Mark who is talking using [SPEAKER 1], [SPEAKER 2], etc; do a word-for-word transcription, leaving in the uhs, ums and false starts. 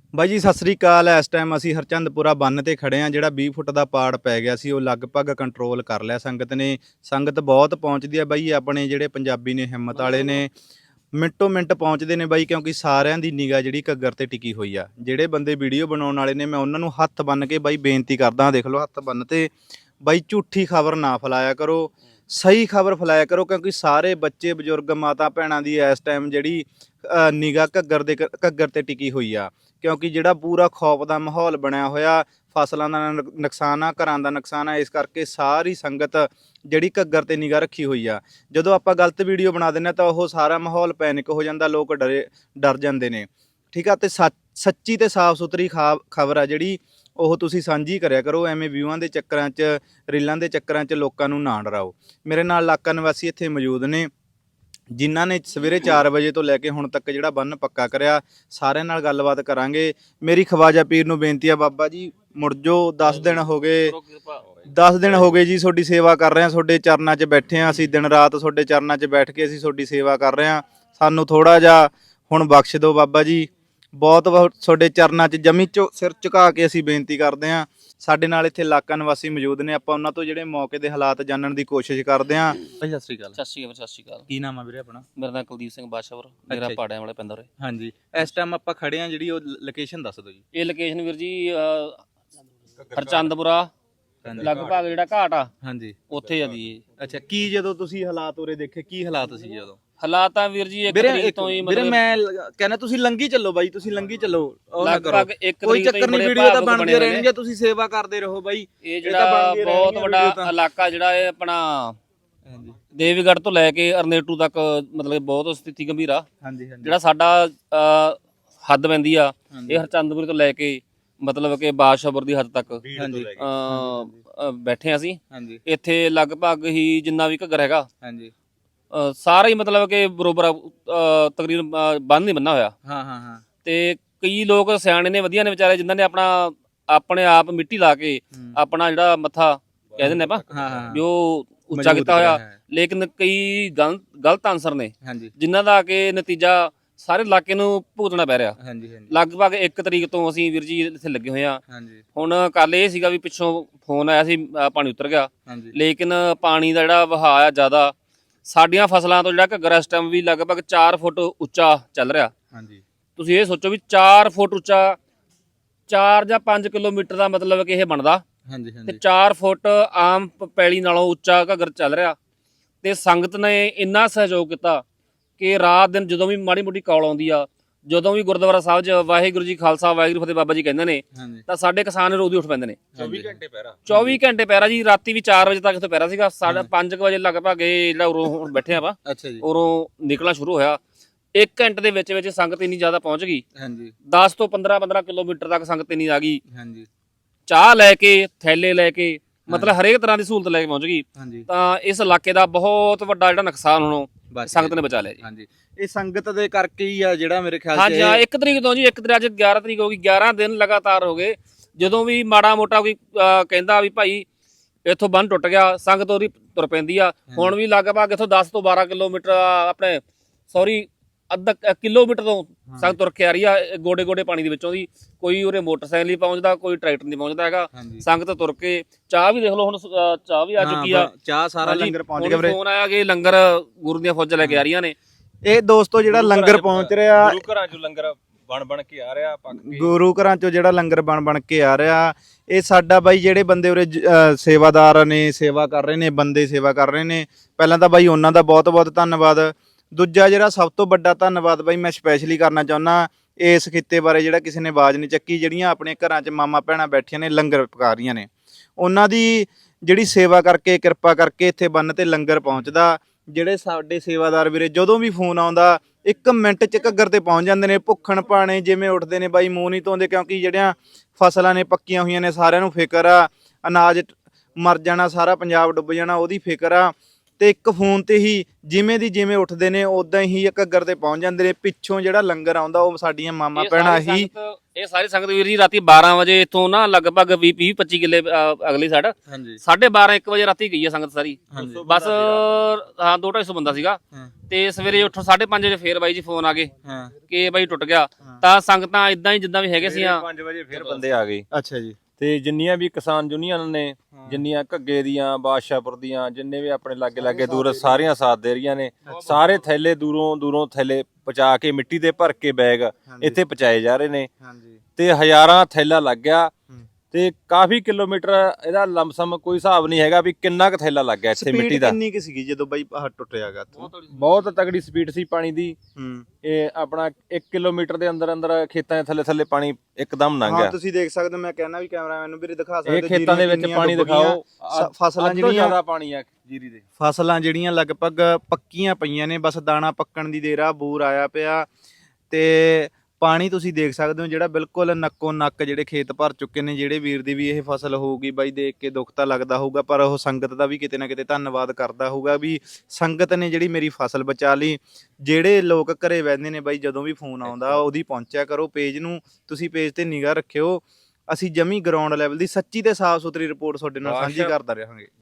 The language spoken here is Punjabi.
[SPEAKER 1] ਬਾਈ ਜੀ ਸਤਿ ਸ੍ਰੀ ਅਕਾਲ। ਇਸ ਟਾਈਮ ਅਸੀਂ ਹਰਚੰਦਪੁਰਾ ਬੰਨ ਤੇ ਖੜੇ ਆ। ਜਿਹੜਾ ਵੀਹ ਫੁੱਟ ਦਾ ਪਾੜ ਪੈ ਗਿਆ ਸੀ ਉਹ ਲਗਭਗ ਕੰਟਰੋਲ ਕਰ ਲਿਆ ਸੰਗਤ ਨੇ। ਸੰਗਤ ਬਹੁਤ ਪਹੁੰਚਦੀ ਆ ਬਾਈ। ਆਪਣੇ ਜਿਹੜੇ ਪੰਜਾਬੀ ਨੇ ਹਿੰਮਤ ਵਾਲੇ ਨੇ ਮਿੰਟੋ ਮਿੰਟ ਪਹੁੰਚਦੇ ਨੇ ਬਾਈ, ਕਿਉਂਕਿ ਸਾਰਿਆਂ ਦੀ ਨਿਗਾਹ ਜਿਹੜੀ ਘੱਗਰ ਤੇ ਟਿਕੀ ਹੋਈ ਆ। ਜਿਹੜੇ ਬੰਦੇ ਵੀਡੀਓ ਬਣਾਉਣ ਵਾਲੇ ਨੇ ਮੈਂ ਉਹਨਾਂ ਨੂੰ ਹੱਥ ਬੰਨ ਕੇ ਬਾਈ ਬੇਨਤੀ ਕਰਦਾ, ਦੇਖ ਲਓ ਹੱਥ ਬੰਨ ਤੇ ਬਾਈ, ਝੂਠੀ ਖਬਰ ਨਾ ਫੈਲਾਇਆ ਕਰੋ, ਸਹੀ ਖਬਰ ਫੈਲਾਇਆ ਕਰੋ, ਕਿਉਂਕਿ ਸਾਰੇ ਬੱਚੇ ਬਜ਼ੁਰਗ ਮਾਤਾ ਭੈਣਾਂ ਦੀ ਇਸ ਟਾਈਮ ਜਿਹੜੀ ਨਿਗਾਹ ਘੱਗਰ ਦੇ ਘੱਗਰ ਤੇ ਟਿਕੀ ਹੋਈ ਆ। ਕਿਉਂਕਿ ਜਿਹੜਾ ਪੂਰਾ ਖੌਫ ਦਾ ਮਾਹੌਲ ਬਣਿਆ ਹੋਇਆ, ਫਸਲਾਂ ਦਾ ਨੁਕਸਾਨ ਆ, ਘਰਾਂ ਦਾ ਨੁਕਸਾਨ ਆ, ਇਸ ਕਰਕੇ ਸਾਰੀ ਸੰਗਤ ਜਿਹੜੀ ਘੱਗਰ ਤੇ ਨਿਗਾਹ ਰੱਖੀ ਹੋਈ ਆ। ਜਦੋਂ ਆਪਾਂ ਗਲਤ ਵੀਡੀਓ ਬਣਾ ਦਿੰਦੇ ਤਾਂ ਉਹ ਸਾਰਾ ਮਾਹੌਲ ਪੈਨਿਕ ਹੋ ਜਾਂਦਾ, ਲੋਕ ਡਰੇ ਡਰ ਜਾਂਦੇ ਨੇ। ਠੀਕ ਆ, ਤੇ ਸੱਚ ਸੱਚੀ ਤੇ ਸਾਫ਼ ਸੁਥਰੀ ਖਾ ਖਬਰ ਆ ਜਿਹੜੀ ਉਹ ਤੁਸੀਂ ਸਾਂਝੀ ਕਰਿਆ ਕਰੋ। ਐਵੇਂ ਵਿਊਆਂ ਦੇ ਚੱਕਰਾਂ 'ਚ, ਰੀਲਾਂ ਦੇ ਚੱਕਰਾਂ 'ਚ ਲੋਕਾਂ ਨੂੰ ਨਾ ਡਰਾਓ। ਮੇਰੇ ਨਾਲ ਇਲਾਕਾ ਨਿਵਾਸੀ ਇੱਥੇ ਮੌਜੂਦ ਨੇ ਜਿਨ੍ਹਾਂ ਨੇ ਸਵੇਰੇ ਚਾਰ ਵਜੇ ਤੋਂ ਲੈ ਕੇ ਹੁਣ ਤੱਕ ਜਿਹੜਾ ਬੰਨ ਪੱਕਾ ਕਰਿਆ। ਸਾਰਿਆਂ ਨਾਲ ਗੱਲਬਾਤ ਕਰਾਂਗੇ। ਮੇਰੀ ਖਵਾਜਾ ਪੀਰ ਨੂੰ ਬੇਨਤੀ ਆ, ਬਾਬਾ ਜੀ ਮੁੜ ਜੋ, ਦਸ ਦਿਨ ਹੋ ਗਏ ਦਸ ਦਿਨ ਹੋ ਗਏ ਜੀ ਤੁਹਾਡੀ ਸੇਵਾ ਕਰ ਰਹੇ ਹਾਂ, ਤੁਹਾਡੇ ਚਰਨਾਂ 'ਚ ਬੈਠੇ ਹਾਂ ਅਸੀਂ, ਦਿਨ ਰਾਤ ਤੁਹਾਡੇ ਚਰਨਾਂ 'ਚ ਬੈਠ ਕੇ ਅਸੀਂ ਤੁਹਾਡੀ ਸੇਵਾ ਕਰ ਰਹੇ ਹਾਂ। ਸਾਨੂੰ ਥੋੜ੍ਹਾ ਜਿਹਾ ਹੁਣ ਬਖਸ਼ ਦਿਓ ਬਾਬਾ ਜੀ। ਬਹੁਤ ਬਹੁਤ ਤੁਹਾਡੇ ਚਰਨਾਂ 'ਚ ਜਮੀ ਚੋ ਸਿਰ ਝੁਕਾ ਕੇ ਅਸੀਂ ਬੇਨਤੀ ਕਰਦੇ ਹਾਂ। ਸਾਡੇ ਨਾਲ ਇੱਥੇ ਇਲਾਕਾ ਨਿਵਾਸੀ ਮੌਜੂਦ ਨੇ, ਆਪਾਂ ਉਹਨਾਂ ਤੋਂ ਜਿਹੜੇ ਮੌਕੇ ਦੇ ਹਾਲਾਤ ਜਾਣਨ ਦੀ ਕੋਸ਼ਿਸ਼ ਕਰਦੇ ਹਾਂ। ਭਾਈ ਸਤਿ ਸ਼੍ਰੀ ਅਕਾਲ।
[SPEAKER 2] ਸਤਿ ਸ਼੍ਰੀ ਅਕਾਲ ਸਤਿ ਸ਼੍ਰੀ ਅਕਾਲ।
[SPEAKER 1] ਕੀ ਨਾਮ ਆ ਵੀਰੇ ਆਪਣਾ?
[SPEAKER 2] ਮੇਰਾ ਨਾਮ ਕੁਲਦੀਪ ਸਿੰਘ ਬਾਸ਼ਾਵਰ, ਮੇਰਾ ਪਾੜਿਆਂ ਵਾਲੇ ਪਿੰਡ ਉਰੇ।
[SPEAKER 1] ਹਾਂਜੀ, ਇਸ ਟਾਈਮ ਆਪਾਂ ਖੜੇ ਹਾਂ, ਜਿਹੜੀ ਉਹ ਲੋਕੇਸ਼ਨ ਦੱਸ ਦਿਓ ਜੀ।
[SPEAKER 2] ਇਹ ਲੋਕੇਸ਼ਨ ਵੀਰ ਜੀ ਹਰਚੰਦਪੁਰਾ ਲਗਭਗ ਜਿਹੜਾ ਘਾਟ ਆ,
[SPEAKER 1] ਹਾਂਜੀ
[SPEAKER 2] ਉੱਥੇ ਆ ਜੀ ਇਹ।
[SPEAKER 1] ਅੱਛਾ, ਕੀ ਜਦੋਂ ਤੁਸੀਂ ਹਾਲਾਤ ਉਰੇ ਦੇਖੇ, ਕੀ ਹਾਲਾਤ ਸੀ ਜਦੋਂ?
[SPEAKER 2] ਹਾਲਾਤ ਆ ਵੀਰ ਜੀ ਇੱਕ ਤਰੀਕ ਤੋਂ ਹੀ
[SPEAKER 1] ਵੀਰੇ
[SPEAKER 2] ਮਤਲਬ
[SPEAKER 1] ਮੈਂ ਕਹਿੰਦਾ ਤੁਸੀਂ ਲੰਗੀ ਚੱਲੋ ਬਾਈ, ਤੁਸੀਂ ਲੰਗੀ ਚੱਲੋ, ਉਹ ਨਾ ਕਰੋ,
[SPEAKER 2] ਲਗਭਗ ਇੱਕ
[SPEAKER 1] ਕੋਈ
[SPEAKER 2] ਤਰੀਕ ਤੋਂ
[SPEAKER 1] ਚੱਕਰ ਨਹੀਂ,
[SPEAKER 2] ਹੀ
[SPEAKER 1] ਵੀਡੀਓ ਤਾਂ ਬਣਦੀਆਂ ਰਹਿਣਗੀਆਂ, ਤੁਸੀਂ ਸੇਵਾ ਕਰਦੇ ਰਹੋ ਬਾਈ।
[SPEAKER 2] ਇਹ ਜਿਹੜਾ ਬਹੁਤ ਵੱਡਾ ਇਲਾਕਾ ਜਿਹੜਾ ਇਹ ਆਪਣਾ ਦੇਵੀਗੜ੍ਹ ਤੋਂ ਲੈ ਕੇ ਅਰਨੇਟੂ ਤੱਕ ਮਤਲਬ ਬਹੁਤ ਸਥਿਤੀ ਗੰਭੀਰ ਆ।
[SPEAKER 1] ਹਾਂਜੀ ਹਾਂਜੀ,
[SPEAKER 2] ਜਿਹੜਾ ਸਾਡਾ ਹੱਦ ਪੈਂਦੀ ਆ ਇਹ ਹਰਚੰਦਪੁਰ ਤੋਂ ਲੈ ਕੇ ਮਤਲਬ ਕਿ ਬਾਸ਼ਾਵਰ ਦੀ ਹੱਦ ਤੱਕ
[SPEAKER 1] ਹਾਂਜੀ
[SPEAKER 2] ਬੈਠੇ ਅਸੀਂ।
[SPEAKER 1] ਹਾਂਜੀ
[SPEAKER 2] ਇੱਥੇ ਲਗਭਗ ਹੀ ਜਿੰਨਾ ਵੀ ਘੱਗਰ ਹੈਗਾ
[SPEAKER 1] ਹਾਂਜੀ,
[SPEAKER 2] ਸਾਰਾ ਹੀ ਮਤਲਬ ਕਿ ਬਰੋਬਰ ਤਕਰੀਬਨ ਬੰਨ ਨਹੀਂ ਬੰਨਾ ਹੋਇਆ।
[SPEAKER 1] ਹਾਂ ਹਾਂ ਹਾਂ,
[SPEAKER 2] ਤੇ ਕਈ ਲੋਕ ਸਿਆਣੇ ਨੇ, ਵਧੀਆ ਨੇ ਵਿਚਾਰੇ, ਜਿਨ੍ਹਾਂ ਨੇ ਆਪਣਾ ਆਪਣੇ ਆਪ ਮਿੱਟੀ ਲਾ ਕੇ ਆਪਣਾ ਜਿਹੜਾ ਮੱਥਾ ਕਹਿ ਦਿੰਦੇ ਆਪਾਂ
[SPEAKER 1] ਹਾਂ ਹਾਂ,
[SPEAKER 2] ਜੋ ਉੱਚਾ ਕੀਤਾ ਹੋਇਆ। ਲੇਕਿਨ ਕਈ ਗਲਤ ਗਲਤ ਆਨਸਰ ਨੇ ਜਿਨ੍ਹਾਂ ਦਾ ਕਿ ਨਤੀਜਾ ਸਾਰੇ ਇਲਾਕੇ ਨੂੰ ਭੁਗਤਣਾ ਪੈ ਰਿਹਾ।
[SPEAKER 1] ਹਾਂਜੀ ਹਾਂਜੀ,
[SPEAKER 2] ਲਗਭਗ ਇੱਕ ਤਰੀਕ ਤੋਂ ਅਸੀਂ ਵੀਰ ਜੀ ਇੱਥੇ ਲੱਗੇ ਹੋਏ ਆ।
[SPEAKER 1] ਹਾਂਜੀ,
[SPEAKER 2] ਹੁਣ ਕੱਲ ਇਹ ਸੀਗਾ ਵੀ ਪਿੱਛੋਂ ਫੋਨ ਆਇਆ ਸੀ, ਪਾਣੀ ਉਤਰ ਗਿਆ,
[SPEAKER 1] ਹਾਂਜੀ,
[SPEAKER 2] ਲੇਕਿਨ ਪਾਣੀ ਦਾ ਜਿਹੜਾ ਵਹਾਅ ਆ ਜ਼ਿਆਦਾ, ਸਾਡੀਆਂ ਫਸਲਾਂ ਤੋਂ ਜਿਹੜਾ ਘੱਗਰ ਇਸ ਟਾਈਮ ਵੀ ਲਗਭਗ ਚਾਰ ਫੁੱਟ ਉੱਚਾ ਚੱਲ ਰਿਹਾ।
[SPEAKER 1] ਹਾਂਜੀ,
[SPEAKER 2] ਤੁਸੀਂ ਇਹ ਸੋਚੋ ਵੀ ਚਾਰ ਫੁੱਟ ਉੱਚਾ, ਚਾਰ ਜਾਂ ਪੰਜ ਕਿਲੋਮੀਟਰ ਦਾ ਮਤਲਬ ਕਿ ਇਹ ਬਣਦਾ।
[SPEAKER 1] ਹਾਂਜੀ
[SPEAKER 2] ਤੇ
[SPEAKER 1] ਹਾਂਜੀ,
[SPEAKER 2] ਚਾਰ ਫੁੱਟ ਆਮ ਪੈਲੀ ਨਾਲੋਂ ਉੱਚਾ ਘੱਗਰ ਚੱਲ ਰਿਹਾ। ਤੇ ਸੰਗਤ ਨੇ ਇੰਨਾ ਸਹਿਯੋਗ ਕੀਤਾ ਕਿ ਰਾਤ ਦਿਨ ਜਦੋਂ ਵੀ ਮਾੜੀ ਮੋਟੀ ਕਾਲ ਆਉਂਦੀ ਆ, ਜਦੋਂ ਵੀ ਗੁਰਦੁਆਰਾ ਸਾਹਿਬ 'ਚ ਵਾਹਿਗੁਰੂ ਜੀ ਖਾਲਸਾ ਵਾਹਿਗੁਰੂ ਫਤਿਹ ਬਾਬਾ ਜੀ ਕਹਿੰਦੇ ਨੇ, ਤਾਂ ਸਾਡੇ ਕਿਸਾਨ ਰੋਜ਼ ਉੱਠ ਪੈਂਦੇ ਨੇ।
[SPEAKER 1] ਚੌਵੀ ਘੰਟੇ ਪਹਿਰਾ,
[SPEAKER 2] ਚੌਵੀ ਘੰਟੇ ਪਹਿਰਾ ਜੀ। ਰਾਤੀ ਵੀ ਚਾਰ ਵਜੇ ਤੱਕ ਇੱਥੇ ਪਹਿਰਾ ਸੀਗਾ। ਸਾਢੇ ਪੰਜ ਵਜੇ ਲਗਭਗ ਇਹ ਜਿਹੜਾ ਉਰੋਂ ਹੁਣ ਬੈਠੇ ਆਪਾਂ,
[SPEAKER 1] ਅੱਛਾ ਜੀ,
[SPEAKER 2] ਉਰੋਂ ਨਿਕਲਣਾ ਸ਼ੁਰੂ ਹੋਇਆ। ਇੱਕ ਘੰਟੇ ਦੇ ਵਿੱਚ ਵਿੱਚ ਸੰਗਤ ਇੰਨੀ ਜ਼ਿਆਦਾ ਪਹੁੰਚ ਗਈ,
[SPEAKER 1] ਹਾਂਜੀ,
[SPEAKER 2] ਦਸ ਤੋਂ ਪੰਦਰਾਂ ਪੰਦਰਾਂ ਕਿਲੋਮੀਟਰ ਤੱਕ ਸੰਗਤ ਇੰਨੀ ਆ ਗਈ।
[SPEAKER 1] ਹਾਂਜੀ,
[SPEAKER 2] ਚਾਹ ਲੈ ਕੇ, ਥੈਲੇ ਲੈ ਕੇ, ਮਤਲਬ ਹਰੇਕ ਤਰ੍ਹਾਂ ਦੀ ਸਹੂਲਤ ਲੈ ਕੇ ਪਹੁੰਚ ਗਈ।
[SPEAKER 1] ਹਾਂਜੀ,
[SPEAKER 2] ਤਾਂ ਇਸ ਇਲਾਕੇ ਦਾ ਬਹੁਤ ਵੱਡਾ ਜਿਹੜਾ ਨੁਕਸਾਨ ਹੁਣ ਸੰਗਤ ਨੇ ਬਚਾ ਲਿਆ ਜੀ।
[SPEAKER 1] ਹਾਂਜੀ, ਇਹ ਸੰਗਤ ਦੇ ਕਰਕੇ ਹੀ ਆ ਜਿਹੜਾ ਮੇਰੇ ਖਿਆਲ 'ਚ।
[SPEAKER 2] ਹਾਂਜੀ ਹਾਂ, ਇੱਕ ਤਰੀਕ ਤੋਂ ਜੀ, ਇੱਕ ਤਰੀਕ ਅੱਜ ਗਿਆਰਾਂ ਤਰੀਕ ਹੋ ਗਈ, ਗਿਆਰਾਂ ਦਿਨ ਲਗਾਤਾਰ ਹੋ ਗਏ। ਜਦੋਂ ਵੀ ਮਾੜਾ ਮੋਟਾ ਕੋਈ ਕਹਿੰਦਾ ਵੀ ਭਾਈ ਇੱਥੋਂ ਬੰਨ ਟੁੱਟ ਗਿਆ, ਸੰਗਤ ਉਹਦੀ ਤੁਰ ਪੈਂਦੀ ਆ। ਹੁਣ ਵੀ ਲਗਭਗ ਇੱਥੋਂ ਦਸ ਤੋਂ ਬਾਰਾਂ ਕਿਲੋਮੀਟਰ ਆਪਣੇ ਸੌਰੀ ਅੱਧਾ ਕਿਲੋਮੀਟਰ ਤੋਂ ਸੰਗਤ ਤੁਰ ਕੇ ਆ ਰਹੀ ਆ, ਗੋਡੇ ਗੋਡੇ ਪਾਣੀ ਦੇ ਵਿੱਚੋਂ ਦੀ। ਕੋਈ ਉਰੇ ਮੋਟਰਸਾਈਕਲ ਨਹੀਂ ਪਹੁੰਚਦਾ, ਕੋਈ ਟਰੈਕਟਰ ਨਹੀਂ ਪਹੁੰਚਦਾ ਹੈਗਾ। ਸੰਗਤ ਤੁਰ ਕੇ, ਚਾਹ ਵੀ ਦੇਖ ਲਓ, ਹੁਣ ਚਾਹ ਵੀ ਆ ਚੁੱਕੀ ਆ,
[SPEAKER 1] ਚਾਹ ਸਾਰਾ ਲੰਗਰ ਪਹੁੰਚ ਗਿਆ ਵੀਰੇ।
[SPEAKER 2] ਫੋਨ ਆਇਆ ਕਿ ਲੰਗਰ ਗੁਰੂ ਦੀਆਂ ਫੌਜਾਂ ਲੈ ਕੇ ਆ ਰਹੀਆਂ ਨੇ।
[SPEAKER 1] ਇਹ ਦੋਸਤੋ ਜਿਹੜਾ ਲੰਗਰ ਪਹੁੰਚ ਰਿਹਾ,
[SPEAKER 3] ਗੁਰੂ ਘਰਾਂ ਚੋਂ ਲੰਗਰ ਬਣ ਬਣ ਕੇ ਆ ਰਿਹਾ, ਪੱਕ ਕੇ
[SPEAKER 1] ਗੁਰੂ ਘਰਾਂ ਚੋਂ ਜਿਹੜਾ ਲੰਗਰ ਬਣ ਬਣ ਕੇ ਆ ਰਿਹਾ। ਇਹ ਸਾਡਾ ਬਾਈ ਜਿਹੜੇ ਬੰਦੇ ਉਰੇ ਸੇਵਾਦਾਰ ਨੇ, ਸੇਵਾ ਕਰ ਰਹੇ ਨੇ, ਬੰਦੇ ਸੇਵਾ ਕਰ ਰਹੇ ਨੇ, ਪਹਿਲਾਂ ਤਾਂ ਬਾਈ ਉਹਨਾਂ ਦਾ ਬਹੁਤ ਬਹੁਤ ਧੰਨਵਾਦ। ਦੂਜਾ ਜਿਹੜਾ ਸਭ ਤੋਂ ਵੱਡਾ ਧੰਨਵਾਦ ਬਾਈ ਮੈਂ ਸਪੈਸ਼ਲੀ ਕਰਨਾ ਚਾਹੁੰਦਾ ਇਸ ਖਿੱਤੇ ਬਾਰੇ, ਜਿਹੜਾ ਕਿਸੇ ਨੇ ਆਵਾਜ਼ ਨਹੀਂ ਚੱਕੀ, ਜਿਹੜੀਆਂ ਆਪਣੇ ਘਰਾਂ 'ਚ ਮਾਮਾ ਭੈਣਾਂ ਬੈਠੀਆਂ ਨੇ, ਲੰਗਰ ਪਕਾ ਰਹੀਆਂ ਨੇ, ਉਹਨਾਂ ਦੀ ਜਿਹੜੀ ਸੇਵਾ ਕਰਕੇ, ਕਿਰਪਾ ਕਰਕੇ ਇੱਥੇ ਬੰਨ ਤੇ ਲੰਗਰ ਪਹੁੰਚਦਾ। ਜਿਹੜੇ ਸਾਡੇ ਸੇਵਾਦਾਰ ਵੀਰੇ ਜਦੋਂ ਵੀ ਫੋਨ ਆਉਂਦਾ ਇੱਕ ਮਿੰਟ 'ਚ ਘੱਗਰ ਤੇ ਪਹੁੰਚ ਜਾਂਦੇ ਨੇ। ਭੁੱਖਣ ਭਾਣੇ ਜਿਵੇਂ ਉੱਠਦੇ ਨੇ ਬਾਈ, ਮੂੰਹ ਨਹੀਂ ਧੋਂਦੇ, ਕਿਉਂਕਿ ਜਿਹੜੀਆਂ ਫਸਲਾਂ ਨੇ ਪੱਕੀਆਂ ਹੋਈਆਂ ਨੇ, ਸਾਰਿਆਂ ਨੂੰ ਫਿਕਰ ਆ, ਅਨਾਜ ਮਰ ਜਾਣਾ, ਸਾਰਾ ਪੰਜਾਬ ਡੁੱਬ ਜਾਣਾ, ਉਹਦੀ ਫਿਕਰ ਆ। ਤੇ ਇੱਕ ਫੋਨ ਤੇ ਹੀ ਜਿਵੇਂ ਦੀ ਜਿਵੇਂ ਉੱਠਦੇ ਨੇ ਉਦਾਂ ਹੀ ਘੱਗਰ ਤੇ ਪਹੁੰਚ ਜਾਂਦੇ ਨੇ। ਪਿੱਛੋਂ ਜਿਹੜਾ ਲੰਗਰ ਆਉਂਦਾ ਉਹ ਸਾਡੀਆਂ ਮਾਮਾ
[SPEAKER 2] ਇਹ
[SPEAKER 1] ਭੈਣਾਂ
[SPEAKER 2] ਸਾਰੀ
[SPEAKER 1] ਹੀ
[SPEAKER 2] ਸੰਗਤ- ਇਹ ਸਾਰੀ ਸੰਗਤ ਵੀਰ ਜੀ ਰਾਤੀ ਬਾਰਾਂ ਵਜੇ ਇੱਥੋਂ ਨਾ ਲਗਭਗ ਵੀਹ ਵੀਹ ਪੱਚੀ ਕਿੱਲੇ ਅ, ਅਗਲੀ ਸਾਈਡ
[SPEAKER 3] ਹਾਂਜੀ
[SPEAKER 2] ਸਾਢੇ ਬਾਰਾਂ ਇੱਕ ਵਜੇ ਰਾਤੀ ਗਈ ਹੈ ਸੰਗਤ ਸਾਰੀ।
[SPEAKER 3] ਹਾਂਜੀ।
[SPEAKER 2] ਬਸ ਹਾਂ ਦੋ ਢਾਈ ਸੌ ਬੰਦਾ ਸੀਗਾ। ਤੇ ਸਵੇਰੇ ਉੱਠੋ ਸਾਢੇ ਪੰਜ ਵਜੇ ਫੇਰ ਬਾਈ ਜੀ ਫੋਨ ਆ ਗਏ
[SPEAKER 3] ਹਾਂ
[SPEAKER 2] ਕਿ ਬਾਈ ਟੁੱਟ ਗਿਆ। ਤਾਂ ਸੰਗਤਾਂ ਇਦਾਂ ਹੀ ਜਿੱਦਾਂ ਵੀ ਹੈਗੇ ਸੀ
[SPEAKER 3] ਪੰਜ ਵਜੇ ਫਿਰ ਬੰਦੇ ਆ ਗਏ।
[SPEAKER 1] ਅੱਛਾ ਜੀ।
[SPEAKER 3] ਤੇ ਜਿੰਨੀਆਂ ਵੀ ਕਿਸਾਨ ਯੂਨੀਅਨ ਨੇ, ਜਿੰਨੀਆਂ ਘੱਗੇ ਦੀਆਂ, ਬਾਦਸ਼ਾਹਪੁਰ ਦੀਆਂ, ਜਿੰਨੇ ਵੀ ਆਪਣੇ ਲਾਗੇ ਲਾਗੇ ਦੂਰ ਸਾਰੀਆਂ ਸਾਥ ਦੇ ਰਹੀਆਂ ਨੇ। ਸਾਰੇ ਥੈਲੇ ਦੂਰੋਂ ਦੂਰੋਂ ਥੈਲੇ ਪਹੁੰਚਾ ਕੇ ਮਿੱਟੀ ਦੇ ਭਰ ਕੇ ਬੈਗ ਇੱਥੇ ਪਹੁੰਚਾਏ ਜਾ ਰਹੇ ਨੇ।
[SPEAKER 1] ਹਾਂਜੀ
[SPEAKER 3] ਤੇ ਹਜ਼ਾਰਾਂ ਥੈਲਾ ਲੱਗ ਗਿਆ ਤੇ ਕਾਫੀ ਕਿਲੋਮੀਟਰ ਇਹਦਾ ਲੰਮਸਮ ਕੋਈ ਹਿਸਾਬ ਨਹੀਂ ਹੈਗਾ ਵੀ ਕਿੰਨਾ ਕੁ ਥੈਲਾ ਲੱਗ ਗਿਆ ਇੱਥੇ ਮਿੱਟੀ
[SPEAKER 1] ਸਪੀਡ
[SPEAKER 3] ਦਾ।
[SPEAKER 1] ਕਿੰਨੀ ਕਿ ਸੀਗੀ ਜਦੋਂ ਬਾਈ ਆਹ ਟੁੱਟਿਆਗਾ?
[SPEAKER 3] ਬਹੁਤ ਤਗੜੀ ਸਪੀਡ ਸੀ ਪਾਣੀ ਦੀ।
[SPEAKER 1] ਹੂੰ
[SPEAKER 3] ਇਹ ਆਪਣਾ ਇੱਕ ਕਿਲੋਮੀਟਰ ਦੇ ਅੰਦਰ ਅੰਦਰ ਖੇਤਾਂ ਦੇ ਥੱਲੇ ਥੱਲੇ ਪਾਣੀ ਇੱਕਦਮ ਲੰਘ
[SPEAKER 1] ਹਾਂ
[SPEAKER 3] ਗਿਆ।
[SPEAKER 1] ਤੁਸੀਂ ਦੇਖ ਸਕਦੇ ਹੋ, ਮੈਂ ਕਹਿਣਾ ਵੀ ਕੈਮਰਾਮੈਨ ਨੂੰ ਵੀਰੇ ਦਿਖਾ ਸਕਦੇ
[SPEAKER 3] ਇਹ ਖੇਤਾਂ ਦੇ ਵਿੱਚ ਪਾਣੀ ਦਿਖਾਓ।
[SPEAKER 1] ਸ- ਫਸਲਾਂ
[SPEAKER 3] ਅੱਧ ਤੋਂ
[SPEAKER 1] ਜਿਹੜੀਆਂ
[SPEAKER 3] ਜ਼ਿਆਦਾ ਪਾਣੀ ਆ ਜੀਰੀ ਦੇ।
[SPEAKER 1] ਫਸਲਾਂ ਜਿਹੜੀਆਂ ਲਗਭਗ ਪੱਕੀਆਂ ਪਈਆਂ ਨੇ, ਬਸ ਦਾਣਾ ਪੱਕਣ ਦੀ ਦੇਰ ਆ, ਬੂਰ ਆਇਆ ਪਿਆ। ਤੇ ਪਾਣੀ ਤੁਸੀਂ ਦੇਖ ਸਕਦੇ ਹੋ ਜਿਹੜਾ ਬਿਲਕੁਲ ਨੱਕੋ ਨੱਕ ਜਿਹੜੇ ਖੇਤ ਭਰ ਚੁੱਕੇ ਨੇ। ਜਿਹੜੇ ਵੀਰ ਦੀ ਵੀ ਇਹ ਫਸਲ ਹੋਊਗੀ ਬਾਈ ਦੇਖ ਕੇ ਦੁੱਖ ਤਾਂ ਲੱਗਦਾ ਹੋਊਗਾ, ਪਰ ਉਹ ਸੰਗਤ ਦਾ ਵੀ ਕਿਤੇ ਨਾ ਕਿਤੇ ਧੰਨਵਾਦ ਕਰਦਾ ਹੋਊਗਾ ਵੀ ਸੰਗਤ ਨੇ ਜਿਹੜੀ ਮੇਰੀ ਫਸਲ ਬਚਾ ਲਈ। ਜਿਹੜੇ ਲੋਕ ਘਰੇ ਬੈਠਦੇ ਨੇ ਬਾਈ, ਜਦੋਂ ਵੀ ਫੋਨ ਆਉਂਦਾ ਉਹਦੀ ਪਹੁੰਚਿਆ ਕਰੋ। ਪੇਜ ਨੂੰ ਤੁਸੀਂ ਪੇਜ ਤੇ ਨਿਗਾਹ ਰੱਖਿਓ। ਅਸੀਂ ਜਮੀ ਗਰਾਊਂਡ ਲੈਵਲ ਦੀ ਸੱਚੀ ਤੇ ਸਾਫ਼ ਸੁਥਰੀ ਰਿਪੋਰਟ ਤੁਹਾਡੇ ਨਾਲ ਸਾਂਝੀ ਕਰਦਾ ਰਹਾਂਗੇ।